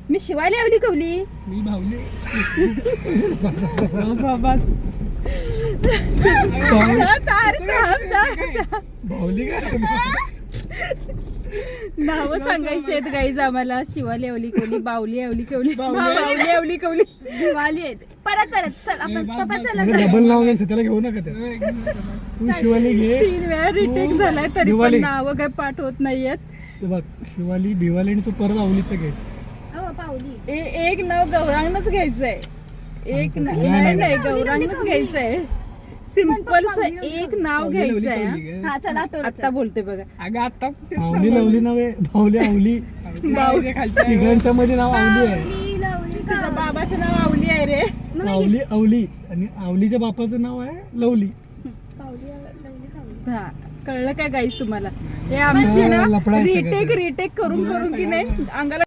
मी शिवाय लावली कवली. मी भावली. भावली नाव सांगायची आहेत गाईज आम्हाला. शिवाली आवली कवली, बावली आवली कवली, बावली आवली कवली. दिवाळी आहे. परत चल आपण पप्पा चला. डबल नाव घ्यायचं त्याला घेऊ नका त्या. तू शिवाली घे. 3 वेळा रिटेक झालाय तरी पण दिवाळी. नाव काय पाठ होत नाहीयेत. तू बघ शिवाली भिवाली आणि तू परत आवलीचं घ्यायचं. हो पावली. एक नाव गौरांगच घ्यायचंय. एक नाही गौरांगच घ्यायचंय. सिंपल एक नाव घ्यायचंय. हा चला आता बोलते बघा. अगं आता आवली लवली नव्हे, भावली आवली. तिघांच्या मध्ये नाव आवली आहे. तुझ्या बाबाचं नाव आवली आहे रे. आवली आवली आणि आवलीच्या बापाचं नाव आहे लवली. हा कळलं काय गाईस तुम्हाला. हे आमची ना लफडा आहे सगळं. रिटेक करून की नाही अंगाला